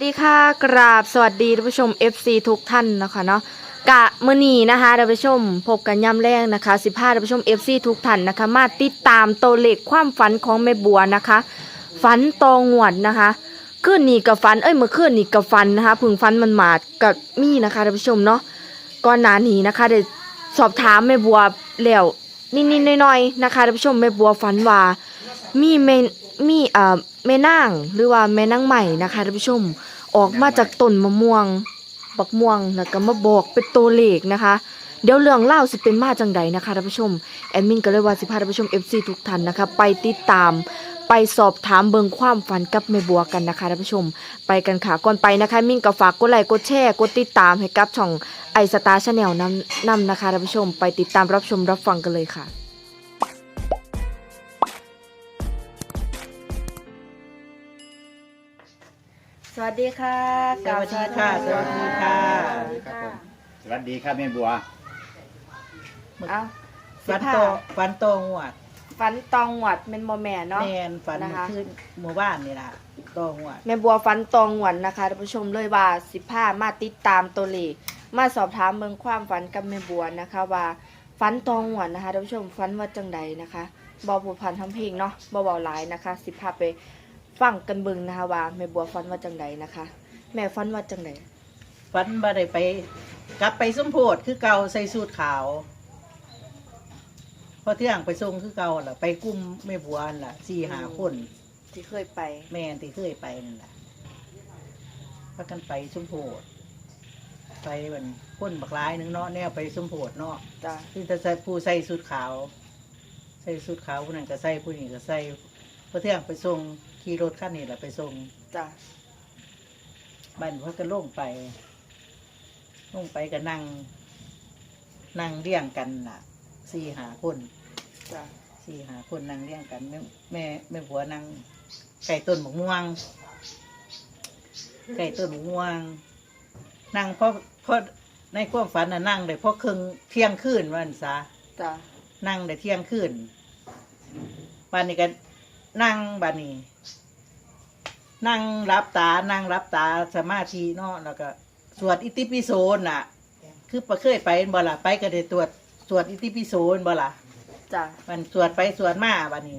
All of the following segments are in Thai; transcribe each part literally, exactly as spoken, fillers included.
ดีค่ะกราบสวัสดีท่านผู้ชม เอฟ ซี ทุกท่านนะคะเนาะกะมื้อนี้นะคะท่านผู้ชมพบกันย่ำแรงนะคะสิบห้าท่านผู้ชม เอฟ ซี ทุกท่านนะคะมาติดตามตัวเลขความฝันของแม่บัวนะคะฝันตองหวดนะคะคืนนี้กับฝันเอ้ยเมื่อคืนนี้กับฝันนะคะพึ่งฝันมันมาดกับมีนะคะท่านผู้ชมเนาะก่อนหน้านี้นะคะได้สอบถามแม่บัวแล้วนิดๆหน่อยๆนะคะท่านผู้ชมแม่บัวฝันว่ามีแม่มีเอ่อแม่นางหรือว่าแม่นางใหม่นะคะท่านผู้ชมออกมาจากต้นมะม่วงบักม่วงแล้วก็มาบอกเป็นตัวเลขนะคะเดี๋ยวเรื่องเล่าสิเป็นมาจังใดนะคะท่านผู้ชมแอดมินก็เลยว่าสิพาท่านผู้ชม เอฟ ซี ทุกท่านนะคะไปติดตามไปสอบถามเบิ่งความฝันกับแม่บัวกันนะคะท่านผู้ชมไปกันค่ะก่อนไปนะคะมินก็ฝากกดไลค์กดแชร์กดติดตามให้กับช่องไอสตาร์ชาแนลนำนำนะคะท่านผู้ชมไปติดตามรับชมรับฟังกันเลยค่ะสวัสดีค่ะสวัสดีค่ะสวัสดีค่ะสวัสดีครับผมสวัสดีครับแม่บัวเอาฟันโตฟันโตงวดฝันตองหวัดเป็นโมแม่เนาะแมนฟันนะคะขึ้นหมู่บ้านนี่ล่ะโตงวดแม่บัวฝันตองหวันนะคะท่านผู้ชมเลยว่าสิบห้ามาติดตามตัวเลขมาสอบถามเมืองความฝันกับแม่บัวนะคะว่าฝันตองหวันนะคะท่านผู้ชมฝันว่าจังใดนะคะบอผูพันทำเพลงเนาะบอเบาหลายนะคะสิบห้าไปฟังกันเบิ่งนะคะว่าแม่บัวฝันว่าจังใดนะคะ แม่ฝันว่าจังใดฟันบ่ได้ไปกลับไปสมโพธิคือเก่าใส่สูทขาวพอเที่ยงไปส่งคือเก่าล่ะไปกุ้มแม่บัวนั่นล่ะสี่หาคนที่เคยไปแม่นที่เคยไปนั่นล่ะพากันไปสมโพธิไปเหมือนคนบักร้ายหนึงเนาะแนวไปสมโพธิเนาะจ้ะที่จะใส่ผู้ใส่สูทขาว ใส่สูทขาวผู้นั้นก็ใส่ผู้นี้ก็ใส่พอเที่ยงไปส่งขี่รถคันนี้แหละไปส่งจ้ะบ้านเขาก็ลงไปลงไปก็นั่ง นั่งเลี้ยงกันน่ะสี่หาคนจ้ะสี่หาคนนั่งเลี้ยงกันแม่แม่แม่ผัวนั่งไก่ต้นหมกม่วงไก่ต้นหมกม่วง นั่งเพราะเพราะในความฝันน่ะนั่งเลยเพราะครึ่งเที่ยงคืนวันซะจ้ะนั่งได้เที่ยงคืนบ้านนี้ก็นั่งบ้านนี้ นั่งรับตา นั่งรับตาสมาธิเนาะแล้วก็สวดอิติปิโสน่ะ คือประเคยไปบ่ล่ะไปก็ได้ตรวจสวดอิติปิโสบ่ล่ะจ้ะมันสวดไปสวดมาบ้านนี้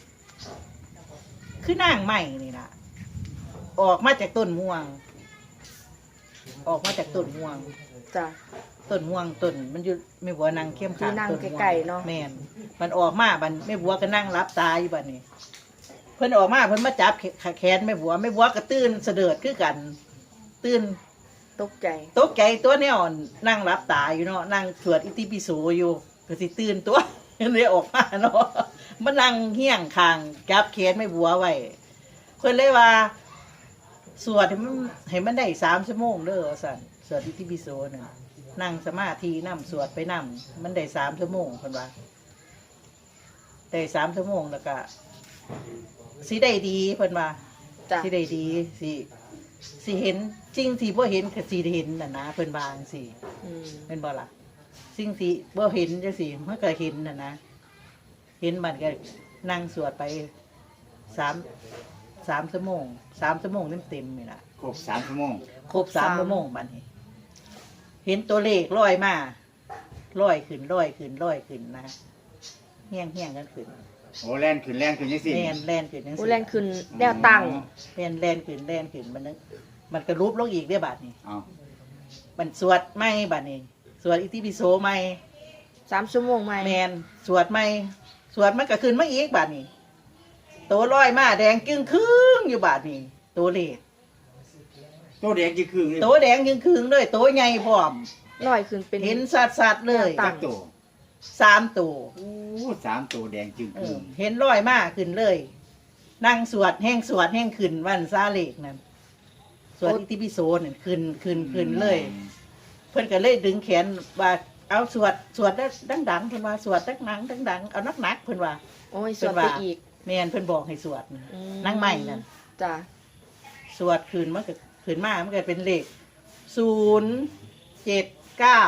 คือนั่งใหม่นี่ล่ะ ออกมาจากต้นม่วง ออกมาจากต้นม่วงจ้ะต้นม่วงต้นมันอยู่ไม่บัวนั่งเข้มขัที่นั่งต้นม่วงไกลๆเนาะแม่นมันออกมาบันไม่บัวก็นั่งรับตาอยู่บัดนี้ เพิ่นออกมาเพิ่นมาจับแขนไม่บัวไม่บัวก็ตื่นเสด็จคือกัน ตื่นตกใจตกใจตัวแนวนั่งรับตาอยู่เนาะนั่งสวดอิติปิโสอยู่ก็สิตื่นตัว เลยออกมาเนาะมานั่งเฮี้ยงคางจับแขนไม่บัวไว้เพิ่นเลยว่า สวดให้มันให้มันได้สามชั่วโมงเด้อสั่นสวดอิติปิโสน่ะนั่งสมาธินั่สวดไปนั่มันได้สามชั่วโมงเพิ่นว่าได้สามชั่วโมงแล้วก็สิได้ดีเพิ่นว่าจ้ะสิได้ดีสิสิเห็นจริงที่บ่เห็นก็สิได้เห็นน่ะนะเพิ่นว่าจังซี่อืมเป็นบ่ล่ะสิ่งที่บ่เห็นจังซี่มันก็เห็นน่ะนะเห็นมันก็นั่งสวดไปสามสามชั่วโมงสามชั่วโมงเต็มๆนี่ล่ะครบสามชั่วโมงครบสามชั่วโมงบัดนี้ เห็นตัวเลขลอยมาลอยขึ้นลอยขึ้นลอยขึ้นนะเฮี้ยงเฮี้ยงกันขึ้นโอ้แล่นขึ้นแล่นขึ้นยังสิแล่นแล่นขึ้นจังผู้ซี่แรงขึ้นแนวตั้งแล่นแล่นขึ้นแล่นขึ้นมันนึกมันก็รูปลงอีกได้อบาดนี้เอามันสวดไม่บาดนี้ สวดอิติปิโสไม่สามชั่วโมงไหมแมนสวดไม่สวดมันก็ขึ้นมาอีกบาดนี้ตัวลอยมาแดงจึงครึ่งอยู่บาดนี้ตัวเลขตัวแดงจีครึ่งเลยตัวแดงจึงครึ่งด้วยตัวใหญ่พร้อมลอยขึ้นเป็นเห็นสัดสัดๆเลยตัจังกตัวสามตัวโอ้สามตัวแดงจึงเอครึ่อง เห็นลอยมาขึ้นเลย นั่งสวดแห้งสวดแห้งขึ้นวันซาเลกนั่นสวดอิติปิโสนั่นขึ้นขึ้นขึ้นเลย เพิ่นก็เลยดึงแขนว่าเอาสวดสวดดังๆเพิ่นว่าสวดดังๆดังๆเอานักๆเพิ่นว่าโอ้ยสวดไปอีกแม่นเพิ่นบอกให้สวดนะอืมนั่งใหม่นั่นจ้ะสวดคืนมันก็คืนมามันก็เป็นเลขศูนย์เจ็ดเก้า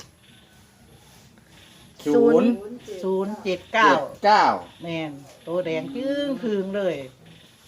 ศูนย์ศูนย์เจ็ดเก้าเก้าเก้าแม่นโตแดงจึ้งพึงเลย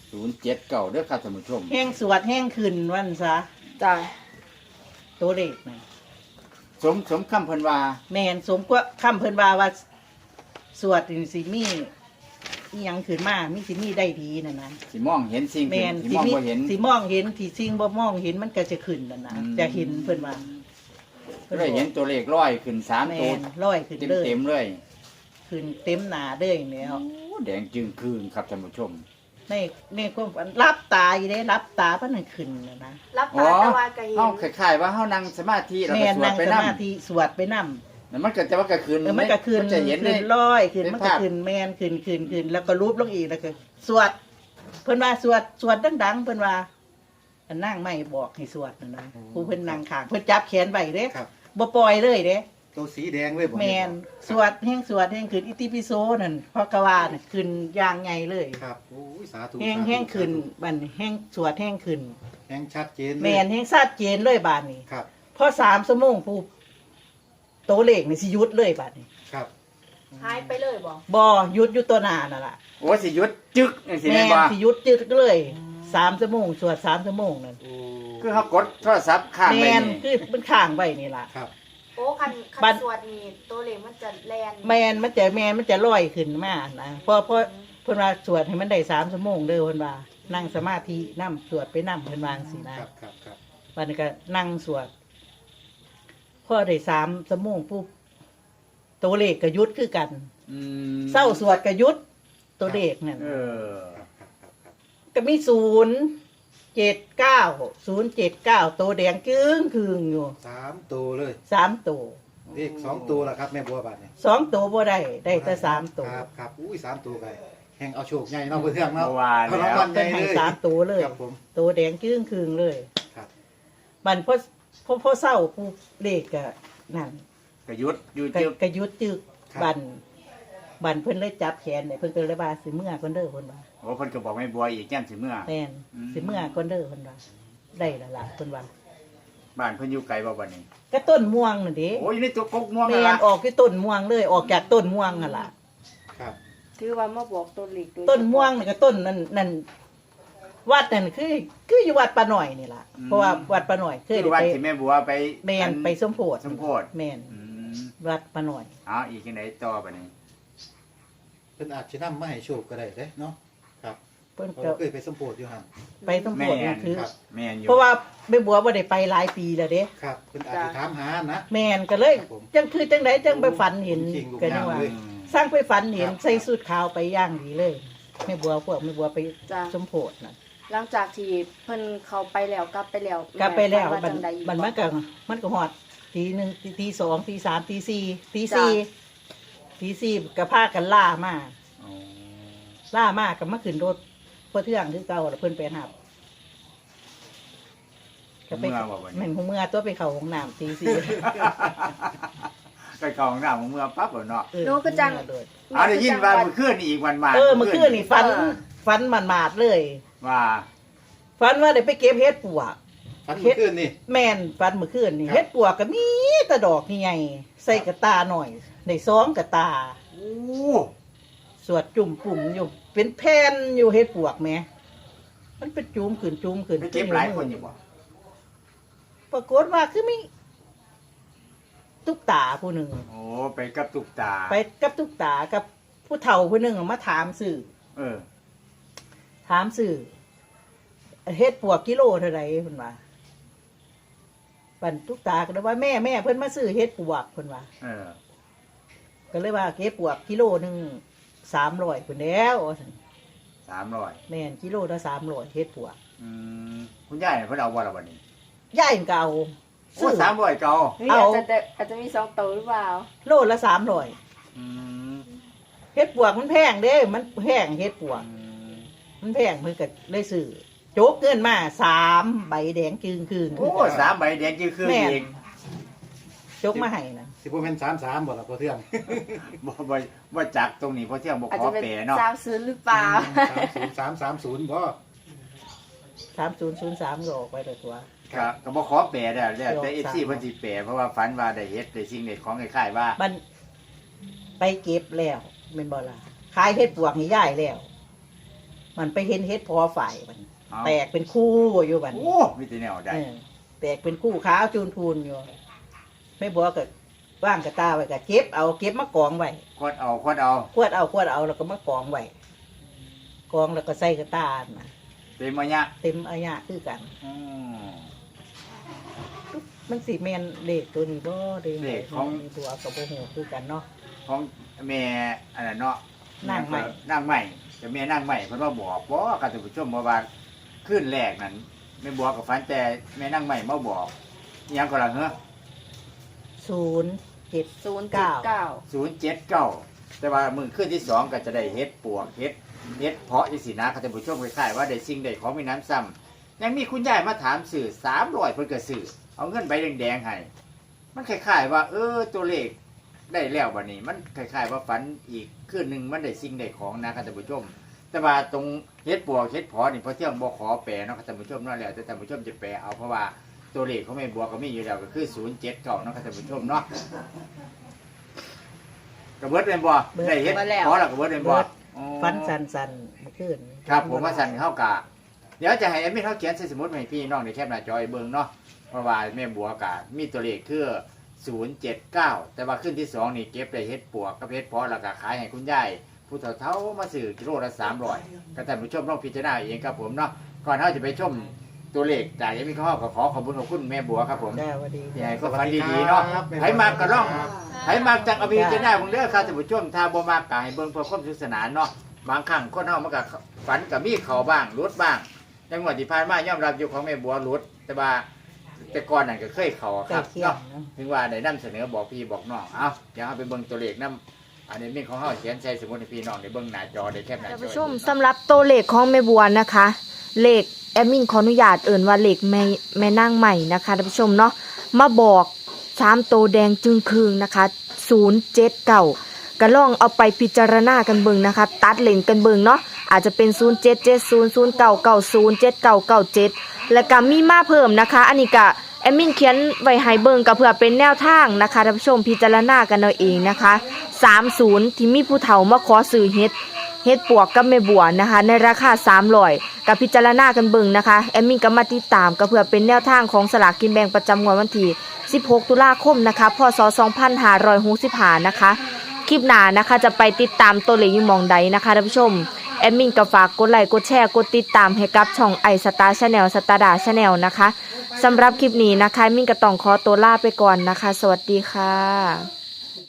ศูนย์เจ็ดเก้าเด้อครับท่านผู้ชมแห้งสวดแห้งขึ้นวันซะจ้ะตัวเลขนะสมสมคำเพิ่นว่าแม่นสมกว่าคำเพิ่นว่าว่าสวดนี่สิมีอีหยังขึ้นมามีสิมีได้ดีนั่นนะสิมองเห็นสิ่งแม่นที่สิมองมีบ่เห็นสิมองเห็นที่สิ่งบ่มองเห็นมันก็จะขึ้นนั่นนะอืมจะเห็นเพิ่นว่าก็ได้เห็นตัวเลขร้อยขึ้นสามแม่ตัวนร้อยขึ้นเต็มเลยเต็มๆเลยขึ้นเต็มหน้าเลยแล้วโอ้แดงจึงคืนครับท่านผู้ชมในในความฝันรับตาอยู่เด้รับตาเพิ่นให้ขึ้นน่ะนะรับอ๋อตาตะวันก็เห็นเฮาคล้ายๆว่าเฮานั่งสมาธิแล้วแม่ก็นสวดนั่งไปสนำมาธิสวดไปนำนั่นมันก็จะว่าก็คืนเออมันก็ขึ้นจะเห็นเลขึ้ยนร้อยขึ้นเป็นมันก็ภาพขึ้นแมนขึ้นขึ้นขึ้นแล้วก็รูปลงอีกแล้วก็สวด เพิ่นว่าสวดสวดดังๆเพิ่นว่าอันนั่งไม่บอกให้สวดนะนะผู้เพิ่นนั่งข้างเพิ่นจับแขนไว้เด้ครับบ่ปล่อยเลยเด้ตัวสีแดงเลยบ่แมนสวดแห่งสวดแห่งขึ้นอิติปิโสนั่นพอกวาน่ะขึ้นอย่างใหญ่เลยครับโอ้ยสาธุแห่งสาธุแห่งขึ้นสาธุบัดนี้แห่งสวดแห่งขึ้นแห่งชัดเจนเลยแมนแห่งชัดเจนเลยบาดนี้ครับพอสามชั่วโมงปุ๊บโตวเลขนี่สิหยุดเลยบาดนี้ครับหายไปเลยบ่บ่หยุดอยู่ตัวหน้านั่นล่ะโอ้สิหยุดจึกจังซี่แม่แม่นนบ่สิหยุดจึกเลยสามชั่วโมงสวดสามชั่วโมงนั่นโอ้คือเฮากดโทรศัพท์ข้างแมไว้นนี่คือมันข้างไว้นี่ล่ะครับโอ้คันคับันดสวดนี่ตัวเลขมันจะแลนแมนมันจะแมนมันจะลอยขึ้นมานะเพราะเพราะเพิ่นว่าสวดให้มันได้สามชั่วโมงเด้อเพิ่นว่านั่งสมาธินั่สวดไปนั่เพิ่นวาจั่งสินะครับครับครับวันนี้ก็นั่งสวดพอได้สามชั่วโมงปุ๊บตัวเลขก็หยุดคือกันอืมเศร้าสวดก็หยุดตัวเลขนั่นเออครับครับครับครับก็มีศูนย์เจ็ดเก้าศูนย์เจ็ดเก้าตัวแดงกึ้งคืงอยู่สามตัวเลยสามตัวเลขสองตัวละครับแม่บัวบาทเนี่ยสองตัวบ่ได้ได้แต่สามตัวครับครับอุ้ยสามตัวไปแห่งเอาโชคใหญ่เนาะเพื่อนเทื่องเนาะว่าเอาแล้รางววัลใหเป็ญ่นให้เลยสามตัวเลยครับผมตัวแดงกึ้งคืงเลยครับบันพอพอพอเศร้าปุ๊บเลขก็นั่นก็หยุดอยู่ก็จึกก็หยุดจึกบันบันเพิ่นเลยจับแขนเนี่ยเพิ่นก็เลยว่าสิเมื่อคนเด้อเพิ่นว่าโอ้เพิ่นก็บอกไม่บัวอีกแก้มสิเมื่อแม่นอืมสิเมื่อคนเด้อเพิ่นว่าได้และล่ะเพิ่นว่าบ้านเพิ่นอยู่ไกลบ่บัดนี้ก็ต้นม่วงน่ะเด้โอ้ยอยู่ในตัวกกม่วงแม่นั่นนล่ะออกที่ต้นม่วงเลย ออกจากต้นม่วงนั่นล่ะครับถือว่ามาบอกตัวเลขโดยต้นม่วงนี่ก็ต้นนั่นนั่นวัดนั่นคือคืออยู่วัดปะหน่อยนี่ล่ะเพราะว่าวัดปะหน่อยเคยคือได้วัดไปที่แม่บัวไปแม่นไปสมโพธิสมโพธิแม่นอืมวัดปะหน่อยเอาอีกจังไดต่อบัดนี้เพิ่นอาจจะนำมาให้โชคก็ได้เด้เนาะครับเพิ่นเพราะก็ว่าเคยไปสมโพธิอยู่หั่นไปสมโพแม่ธินี่นคือครับแม่นอยู่เพราะว่าแม่บัวบ่ได้ไปหลายปีแล้วเด้ครับเพิ่นอาจจะถามหานะแม่นก็เลยครับผมจังคือจังไดจังไปฝันเห็นจริงๆลูกก็ยังว่าเลยสร้างไปฝันเห็นครับใส่สูทขาวไปย่างดีเลยแม่บัวพวกแม่บัวไปจ้ะสมโพธิน่ะหลังจากที่เพิ่นเขาไปแล้วกลับไปแล้วกลับไปแล้วม่มันจังใดอีกมันบ่มันก็มันก็ฮอดตีหนึ่งตีตีสองตีสามตีสี่ตีจ้ะสี่ตีสี่ก็พากันล่ามาอ๋อล่ามาก็มาขึ้นรถเพื่อเทื่องคือเก่าแล้วเพิ่นไปหับก็ไปเมื่อบ่บัดแม่นี้นหูเมื่อตัวไปเข้าห้องน้ำตีสี่ไปเข้าห้องน้ำเมื่อปั๊บแล้วเนาะเออหนูก็จังโดดเอาได้ยินว่าเมื่อคืนนี่อีกวันมาเออเมื่อคืนนี่ฟันฟันมันมาดๆเลยว่าฟันว่าได้ไปเก็บเฮ็ดปวกฝันเมื่อคืนนี่แม่นฟันเมื่อคืนนี่ครับเฮ็ดปวกก็มีแตะดอกใหญ่ๆใส่กระตาหน่อยในซองกระตาโอ้สวดจุ่มปุ่มอยู่ เป็นแผ่นอยู่เฮ็ดปวกแหม่มันเป็นจุ่มขึ้นจุ่มขึ้นไปเก็บหลายคนอยู่บ่ปรากฏว่าคือมีตุ๊กตาผู้หนึ่งโอ้ไปกับตุกตาไปกับตุ๊กตากับผู้เฒ่าผู้หนึ่งมาถามสื่อเออถามสื่อเฮ็ดปวกกิโลเท่าไหร่เพิ่นว่าปันตุ๊กตาก็เลยว่าแม่แม่เพิ่นมาซื้อเฮ็ดปวกเพิ่นว่าเออก็เลยว่าเฮ็ดปวกกิโลหนึงสามร้อยเพิ่นแล้วว่าซั่นสามร้อยแม่นกิโลละสามร้อยเฮ็ดปวกอืมคุณยายเพิ่นเอาบ่ล่ะบัดนี้ย่ายมันก็เอาโอ้สามร้อยเก่าเฮ้ยเอาอาจจะได้อาจจะมีสองตัวหรือเปล่าโลละสามร้อยอืมเฮ็ดปวกมันแพงเด้ มันแพงเฮ็ดปวกอืมมันแพงเพิ่นก็เลยซื้อโจกเงินมาสามใบแดงจึงคืนโอ้สามใบแดงคือคือแม่นเองโจกมาให้นะสิบ่แม่นสามสามบ่ล่ะพ่อเทื่องบ่บ่บ่จักตรงนี้เพราะเที่ยงบ่อาจขอจะเป็นแปรเนาะสาวซื้อหรือเปล่าสามศูนย์สามสามศูนย์บ่สามศูนย์ศูนย์สามก็ออกไปเลยตัวก็ก็บ่ขอแปรได้แล้วแต่ยกเอฟซีสามเพิ่นสิแปรเพราะว่าฝันว่าได้เฮ็ดได้สิ่งได้ของคล้ายๆว่ามันไปเก็บแล้วเป็นบ่ล่ะขายเฮ็ดปวกนี่ย่ายแล้วมันไปเห็นเฮ็ดพอฝ่ายมันเอาแตกเป็นคู่อยู่บัดนี้โอ้มีแต่แนวได้เออแตกเป็นคู่ขาวจูนพูนอยู่ไม่บัวก็ว่างกระตาไว้ก็เก็บเอาเก็บมากองไว้ควดเอาควดเอาขวดเอาขวดเอาแล้วก็มากองไว้กองแล้วก็ใส่กระตามาเต็มมาเนี่ยเต็มอายะคือกันอืมมันสีแมนเด็กตัวนี้บ่เด็กเลขของมีตัวกับโบโหคือกันเนาะของแม่อันนั้นเนาะนางใหม่นางใหม่แต่แม่นางใหม่เพิ่นว่าบอกบ่ค่ะท่านผู้ชมว่าว่าขึ้นแรกนั้นแม่บัวกับฝันแต่แม่นางใหม่มาบอกอิหยังก็ล่ะเหรอศูนย์เจ็ดศูนย์เจ็ดเก้าศูนย์เจ็ดเก้าแต่ว่ามือขึ้นที่สองก็จะได้เฮ็ดปวกเฮ็ดเฮ็ดเพาะจังซี่นะค่ะท่านผู้ชมคล้ายๆว่าได้สิ่งได้ของมีน้ำซ้ำยังมีคุณยายมาถามสื่อสามร้อยเพิ่นก็ซื้อเอาเงินใบแดงๆให้มันคล้ายๆว่า เออตัวเลขได้แล้วบัดนี้ มันคล้ายๆว่าฝันอีกคืนหนึงมันได้สิ่งได้ของนะค่ะท่านผู้ชม แต่ว่าตรงเฮ็ดปวกเฮ็ดเพาะนี่พอเที่ยงบ่ขอแปลเนาะค่ะท่านผู้ชมเนาะแล้วแต่ท่านผู้ชมจะแปลเอาเพราะว่าตัวเลขของแม่บัวก็มีอยู่แล้วก็คือศูนย์เจ็ดเก้าเนาะค่ะท่านผู้ชมเนาะกระเบิดเป็นบ่ได้เฮ็ดเพาะแล้วกระเบิดเป็นบ่เบิดอ๋อฟันสันสันๆเมื่อคืนครับผมว่าสั่นเข้ากะเดี๋ยวจะให้แอดมินเขาเขียนใส่สมุดมาให้พี่น้องในแคปหน้าจอให้เบิ่งเนาะเพราะว่าแม่บัวกะมีตัวเลขคือศูนย์เจ็ดเก้าแต่ว่าขึ้นที่สองนี่เก็บได้เฮ็ดปวกกับเฮ็ดเพาะแล้วก็ขายให้คุณยายผู้เฒ่าเฒ่ามาซื้อกิโลละสามร้อยก็ท่านผู้ชมลองพิจารณาเองครับผมเนาะก่อนเขาจะไปชมตัวเลขจากแอดมินเขาก็ขอขอบคุณขอบคุณแม่บัวครับผมได้สวัสดีที่ให้ก็ฝันดีๆเนาะให้มากก็ร้องให้มากจากอภิจารณาผมเด้อครับท่านผู้ชมถ้าบ่มากก็ให้เบิ่งเพื่อความสนุกสนานเนาะบางครั้งคนเฮามันก็ฝันก็มีเข้าบ้างหลุดบ้างจังหวะที่ผ่านมายอมรับอยู่ของแม่บัวหลุด แต่ว่าแต่ก่อนนั่นก็เคยเข้าใกคล้รับเคียงเนาะนะถึงว่าได้นำเสนอบอกพี่บอกน้องเอ้าเดี๋ยวเฮาไปเบิ่งตัวเลขนํอันนี้มีของเฮาเขียนใส่สมุดให้พี่น้องได้เบิ่งหน้าจอได้แคปหน้าจอท่านผู้ชมสำหรับตัวเลขของแม่บัวนะคะ เลขแอดมินขออนุญาตเอิ่นว่าเลขแม่แม่นางใหม่นะคะท่านผู้ชมเนาะมาบอกสามตัวแดงจึงคืงนะคะศูนย์เจ็ดเก้าก็ลองเอาไปพิจารณากันเบิ่งนะคะ ตัดเลนกันเบิ่งเนาะอาจจะเป็นศูนย์เจ็ดเจ็ดศูนย์ ศูนย์เก้าเก้าศูนย์ เจ็ดเก้าเก้าเจ็ดและก็มีมาเพิ่มนะคะ อันนี้ก็แอดมินเขียนไว้ให้เบิ่งก็เพื่อเป็นแนวทางนะคะท่านผู้ชมพิจารณากันเอาเองนะคะสามสิบที่มีผู้เฒ่ามาขอซื้อเฮ็ด เฮ็ดปวกกับแม่บัวนะคะในราคาสามร้อยกับพิจารณากันเบิ่งนะคะแอดมินก็มาติดตามก็เพื่อเป็นแนวทางของสลากกินแบ่งประจำงวดวันที่สิบหกตุลาคมนะคะพศสองพันห้าร้อยหกสิบห้านะคะคลิปหน้านะคะจะไปติดตามตัวเลขอยู่หม่องใดนะคะท่านผู้ชมแอดมินก็ฝากกดไลค์กดแชร์กดติดตามให้กับช่องไอสตาร์ชาแนลสตาร์ดาชาแนลนะคะสำหรับคลิปนี้นะคะแอดมินก็ต้องขอตัวลาไปก่อนนะคะสวัสดีค่ะ